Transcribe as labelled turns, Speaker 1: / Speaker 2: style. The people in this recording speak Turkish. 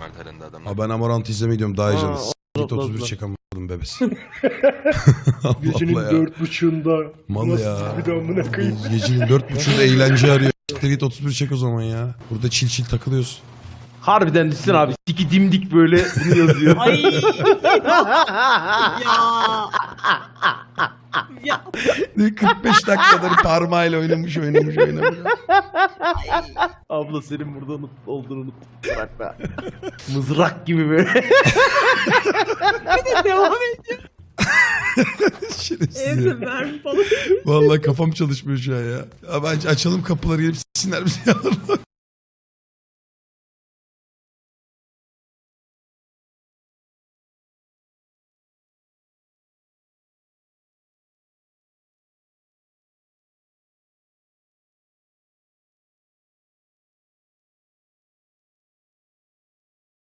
Speaker 1: alperinde adamlar.
Speaker 2: Abi ben Amorant izlemeyi diyorum daha heyecanlı. Git
Speaker 3: Allah
Speaker 2: 31
Speaker 3: Allah.
Speaker 2: çek amadım bebesi. Allah
Speaker 3: Gecenin
Speaker 2: Allah ya.
Speaker 3: 4.30'unda.
Speaker 2: Mal
Speaker 3: Nasıl
Speaker 2: ya.
Speaker 3: bir de amına koyayım.
Speaker 2: Gecenin 4.30'da eğlence arıyor. Siktir git 31 çek o zaman ya. Burada çil çil takılıyoruz.
Speaker 3: Harbiden düşsün abi. Siki dimdik böyle bunu yazıyor.
Speaker 4: Ay. Ya. Ya.
Speaker 2: 45 dakikadır parmağıyla oynamış.
Speaker 3: Abla senin burada olduğunu unuttum. Bırak be. Mızrak gibi böyle.
Speaker 4: Devam et.
Speaker 2: Şerefsiz ya.
Speaker 4: Evde mermi falan.
Speaker 2: Vallahi kafam çalışmıyor şu an ya. Abi açalım kapıları gelip sinirler bizi.